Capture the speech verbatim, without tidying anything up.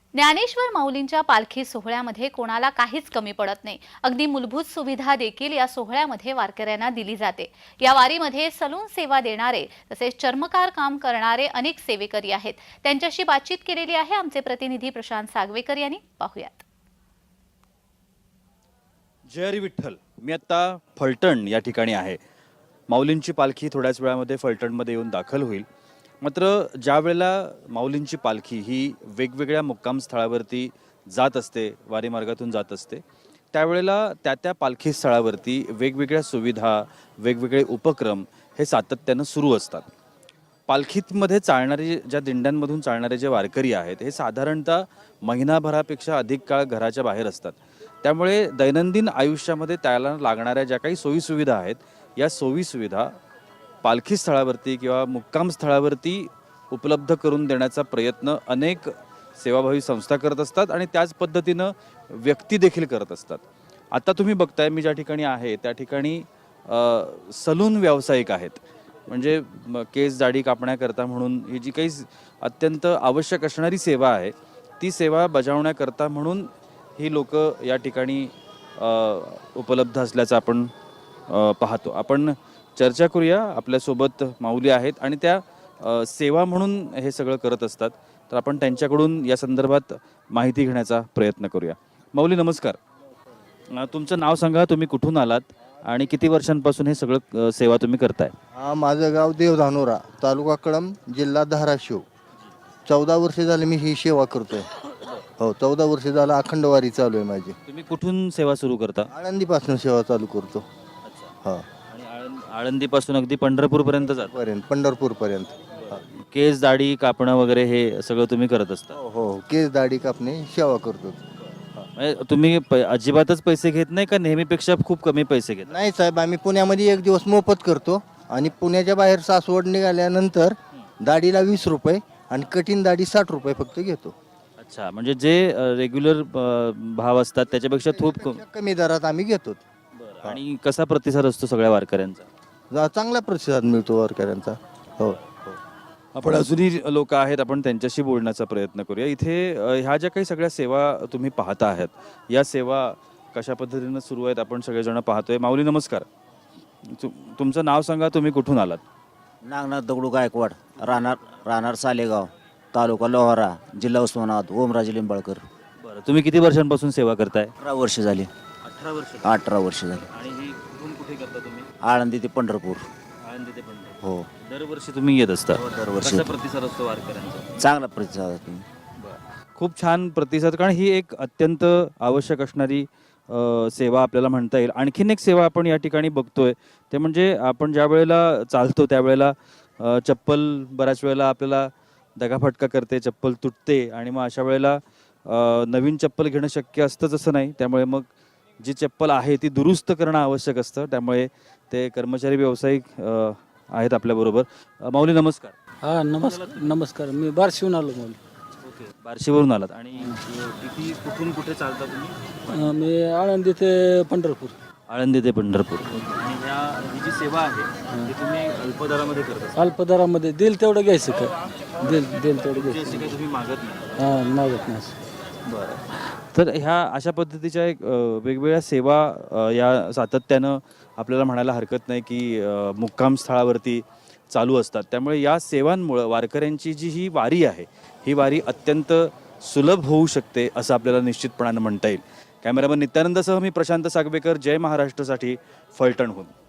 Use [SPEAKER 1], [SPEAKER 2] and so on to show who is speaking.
[SPEAKER 1] ज्ञानेश्वर माऊलींच्या पालखी सोहळ्यामध्ये कोणाला काहीच कमी पडत नाही। अगदी मूलभूत सुविधा देखील या सोहळ्यामध्ये वारकऱ्यांना दिली जाते। या वारीमध्ये सलून सेवा देणारे तसेच चर्मकार काम करणारे अनेक सेवेकरी आहेत। त्यांच्याशी बातचीत केलेली आहे आमचे प्रतिनिधी प्रशांत सागवेकर यांनी। पाहूयात।
[SPEAKER 2] जय हरी विठ्ठल। मी आता फलटण या ठिकाणी आहे। माऊलींची पालखी थोड्याच वेळामध्ये फलटणमध्ये येऊन दाखल होईल। मात्र ज्या वेळेला माऊलींची पालखी ही वेगवेगळ्या मुक्काम स्थळावरती जात असते, वारी मार्गातून जात असते, त्यावेळेला त्या त्या पालखी स्थळावरती वेगवेगळ्या सुविधा, वेगवेगळे उपक्रम हे सातत्यानं सुरू असतात। पालखीमध्ये चालणारे ज्या दिंड्यांमधून चालणारे जे वारकरी आहेत हे साधारणतः महिनाभरापेक्षा अधिक काळ घराच्या बाहेर असतात। त्यामुळे दैनंदिन आयुष्यामध्ये त्याला लागणाऱ्या ज्या काही सोयीसुविधा आहेत या सोयीसुविधा पालखी स्थळावरती किंवा मुक्काम स्थळावरती उपलब्ध करून देण्याचा प्रयत्न अनेक सेवाभावी संस्था करत असतात आणि त्याच पद्धतीनं व्यक्ती देखील करत असतात। आता तुम्ही बघताय मी ज्या ठिकाणी आहे त्या ठिकाणी सलून व्यावसायिक आहेत, म्हणजे केस दाढी कापण्याकरता म्हणून ही जी काही अत्यंत आवश्यक असणारी सेवा आहे ती सेवा बजावण्याकरता म्हणून ही लोक या ठिकाणी उपलब्ध असल्याचं आपण पाहतो। आपण चर्चा करूया। आपल्यासोबत माऊली आहेत आणि त्या सेवा म्हणून हे सगळं करत असतात, तर आपण त्यांच्याकडून या संदर्भात माहिती घेण्याचा प्रयत्न करूया। माऊली नमस्कार, तुमचं नाव सांगा, तुम्ही कुठून आलात आणि किती वर्षांपासून हे सगळं सेवा तुम्ही करताय?
[SPEAKER 3] हा, माझं गाव देवधानोरा, तालुका कळंब, जिल्हा धाराशिव। चौदा वर्ष झाले मी ही सेवा करतोय। हो, चौदा वर्ष झालं अखंड वारी चालू आहे माझी।
[SPEAKER 2] तुम्ही कुठून सेवा सुरू करता?
[SPEAKER 3] आळंदीपासून सेवा चालू करतो।
[SPEAKER 2] हा, आणि आळंदीपासून अगदी पंढरपूर पर्यंत जात
[SPEAKER 3] पर्यंत पंढरपूर पर्यंत।
[SPEAKER 2] केस दाढी कापणं वगैरे हे सगळं तुम्ही करत असता?
[SPEAKER 3] हो हो, केस दाढी कापणे सेवा करतो।
[SPEAKER 2] म्हणजे तुम्ही अजिबातच पैसे घेत नाही का नेहमीपेक्षा खूप कमी पैसे घेत?
[SPEAKER 3] नाही साहेब, आम्ही पुण्यामध्ये एक दिवस मोफत करतो आणि पुण्याच्या बाहेर सासवड निघाल्यानंतर दाढीला वीस रुपये आणि कठीण दाढी साठ रुपये फक्त घेतो।
[SPEAKER 2] अच्छा, म्हणजे जे रेग्युलर भाव असतात त्याच्यापेक्षा खूप
[SPEAKER 3] कमी दरात आम्ही घेतो।
[SPEAKER 2] आणि कसा प्रतिसाद असतो सगळ्या वारकऱ्यांचा?
[SPEAKER 3] चांगला प्रतिसाद मिळतो वारकऱ्यांचा। हो,
[SPEAKER 2] आपण अजूनही लोक आहेत, आपण त्यांच्याशी बोलण्याचा प्रयत्न करूया। इथे ह्या ज्या काही सगळ्या सेवा तुम्ही पाहता आहात या सेवा कशा पद्धतीनं सुरू आहेत आपण सगळेजण पाहतोय। माऊली नमस्कार, तुमचं नाव सांगा, तुम्ही कुठून आलात?
[SPEAKER 4] नागनाथ दगडू गायकवाड, राहणार राहणार सालेगाव, तालुका लोहारा, जिल्हा उस्मानाबाद, ओमराजे लिंबाळकर।
[SPEAKER 2] बरं, तुम्ही किती वर्षांपासून सेवा करताय?
[SPEAKER 4] अठरा वर्ष झाली।
[SPEAKER 2] अठरा वर्ष
[SPEAKER 4] अठरा वर्ष झाली।
[SPEAKER 2] आणि ही कुठून कुठे करता तुम्ही?
[SPEAKER 4] आळंदी ते पंढरपूर।
[SPEAKER 2] आळंदी ते पंढरपूर।
[SPEAKER 4] हो,
[SPEAKER 2] दरवर्षी तुम्ही येत असता?
[SPEAKER 4] हो, दरवर्षी
[SPEAKER 2] कसा प्रतिसाद असतो वारकऱ्यांचा?
[SPEAKER 4] चांगला प्रतिसाद आहे।
[SPEAKER 2] खूप छान प्रतिसाद, कारण ही एक अत्यंत आवश्यक असणारी सेवा आपल्याला म्हणता येईल। आणखीन एक सेवा आपण या ठिकाणी बघतोय ते म्हणजे आपण ज्या वेळेला चालतो त्यावेळेला चप्पल बऱ्याच वेळेला आपल्याला दगाफटका करते, चप्पल तुटते आणि मग अशा वेळेला नवीन चप्पल घेणं शक्य असतंच असं नाही, त्यामुळे मग जी चप्पल आहे ती दुरुस्त करणं आवश्यक असतं। त्यामुळे ते कर्मचारी व्यावसायिक आहेत आपल्याबरोबर। माऊली नमस्कार।
[SPEAKER 5] हा, नमस्कार नमस्कार मी बार्शीहून आलो माऊली।
[SPEAKER 2] ओके, बार्शीवरून आलात आणि किती कुठून कुठे चालता तुम्ही?
[SPEAKER 5] अं, मी आळंदी ते पंढरपूर।
[SPEAKER 2] आळंदी ते पंढरपूर। आणि ह्या ही जी सेवा आहे ती तुम्ही अल्पदरामध्ये करता?
[SPEAKER 5] अल्पदरामध्ये दिल तेवढं घ्यायचं का? दिल दिल तेवढं घ्यायचं।
[SPEAKER 2] असे काही तुम्ही मागत नाही?
[SPEAKER 5] हां, मागत नाही।
[SPEAKER 2] बरं, तर ह्या अशा पद्धतीच्या एक वेगवेगळ्या सेवा या सातत्यानं आपल्याला म्हणायला हरकत नाही की मुक्काम स्थळावरती चालू असतात। त्यामुळे या सेवांमुळं वारकऱ्यांची जी ही वारी आहे ही वारी अत्यंत सुलभ होऊ शकते असं आपल्याला निश्चितपणानं म्हणता येईल। कॅमेरामन नित्यानंदसह मी प्रशांत सागवेकर, जय महाराष्ट्रसाठी फलटणहून।